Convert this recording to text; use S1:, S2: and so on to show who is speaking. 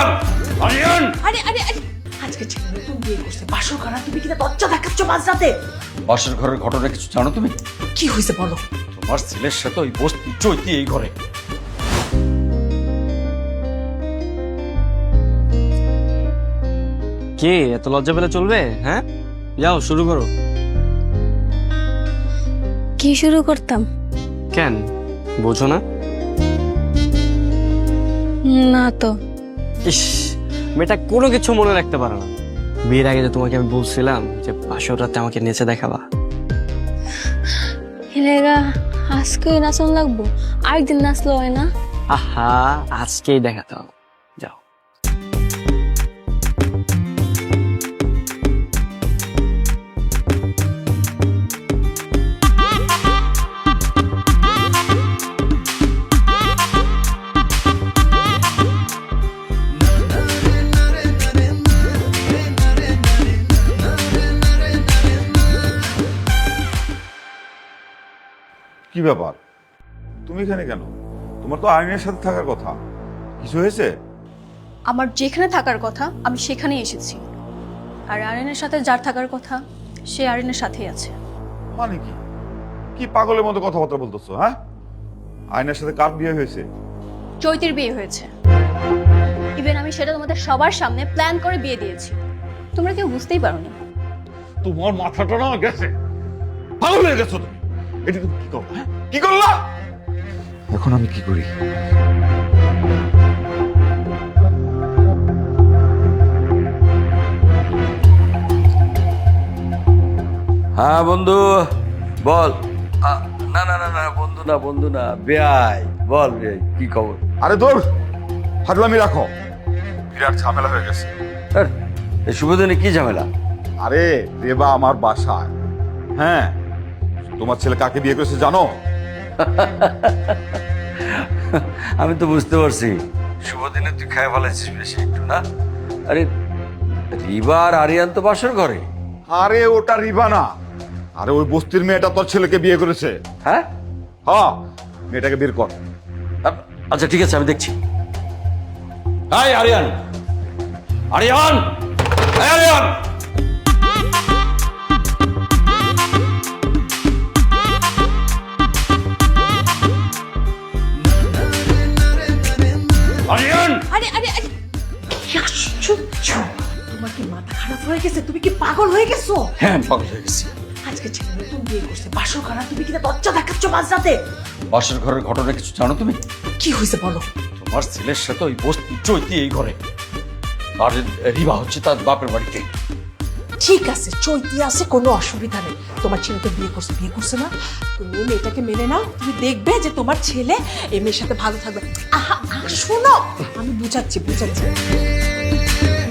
S1: আরিয়ান আরিয়ান
S2: আরে আরে আরে আজকে ছেলে নতুন বিয়ে করছে বাসর ঘর তুমি কিনা দরজা দেখাচ্ছ মাঝরাতে।
S1: বাসর ঘরের ঘটনা কিছু জানো তুমি?
S2: কি হয়েছে বলো?
S1: তোমার ছেলের সাথে ওই বস্তি চৈতি এই ঘরে।
S3: কে এত লজ্জা পেলে চলবে? হ্যাঁ, যাও শুরু করো।
S4: কি শুরু করতাম?
S3: কেন বোঝো না?
S4: না তো।
S3: ইস, মেয়েটা কোনো কিছু মনে রাখতে পারে না। বিয়ের আগে যে তোমাকে আমি বলছিলাম যে বাসর রাতে আমাকে নেচে দেখাবা।
S4: হেলেগা আজকে নাচন লাগবো, আরেকদিন নাচলো হয় না?
S3: আহা, আজকেই দেখাতে হবে, যাও।
S5: কি ব্যাপার, তুমি এখানে কেন? তোমার তো আইনের সাথে থাকার কথা, কিছু হয়েছে?
S6: আমার যেখানে থাকার কথা আমি সেখানেই এসেছি, আর আরিনের সাথে যার থাকার কথা সে আরিনের সাথেই আছে।
S5: মানে কি কি পাগলের মতো কথাবার্তা বলতেছো? হ্যাঁ, আইনের সাথে কার বিয়ে হয়েছে?
S6: চৈতির বিয়ে হয়েছে। ইভেন আমি সেটা তোমাদের সবার সামনে প্ল্যান করে বিয়ে দিয়েছি, তোমরা কেউ বুঝতেই পারোনি।
S5: তোমার মাথাটা না গেছে, পাগল হয়ে গেছো তুমি। এটা তুমি কি করো? হ্যাঁ, কি করলা? এখন আমি কি করি?
S1: হ্যাঁ বন্ধু বল। না না না না বন্ধু না, বন্ধু না, বেয়াই। বল বেয়াই, কি খবর?
S5: আরে তোর ফাজলামি রাখো, বিরাট ঝামেলা হয়ে গেছে।
S1: আরে, এই শুভ দিনে কি ঝামেলা?
S5: আরে রেবা আমার বাসায়। হ্যাঁ, তোমার ছেলে কাকে বিয়ে করেছে জানো?
S1: আমি তো বুঝতে পারছি, শুভ দিনে তুই খায় ফেলাইছিস বেশি একটু না? আরে রিবা আর আরিয়ান তো বাসর ঘরে।
S5: আরে ওটা রিবা না, আরে ওই বস্তির মেয়েটা তোর ছেলেকে বিয়ে করেছে।
S1: হ্যাঁ
S5: হ্যাঁ, মেয়েটাকে বের কর।
S1: আচ্ছা ঠিক আছে, আমি দেখছি। Hi Aryan, Aryan, hi Aryan. আরিয়ান
S2: আরে আরে আরে কি আশ্চর্য! তোমার কি মাথা খারাপ হয়ে গেছে? তুমি কি পাগল হয়ে গেছো?
S1: হ্যাঁ, আমি পাগল হয়ে গেছি।
S2: আজকে ছেলে নতুন বিয়ে করছে বাসর ঘর তুমি কিনা দরজা দেখাচ্ছ মাঝরাতে।
S1: বাসর ঘরের ঘটনা কিছু জানো তুমি?
S2: কি হয়েছে বলো?
S1: তোমার ছেলের সাথে ওই বস্তি চৈতি এই ঘরে, আর রিবা হচ্ছে তার বাপের বাড়িতে।
S2: ঠিক আছে, চৈতি আছে, কোনো অসুবিধা নেই। তোমার ছেলে তো বিয়ে করছে না? তুমি মেয়েটাকে মেনে নাও, তুমি দেখবে যে তোমার ছেলে এই মেয়ের সাথে ভালো থাকবে। আহা শোনো, আমি বুঝাচ্ছি।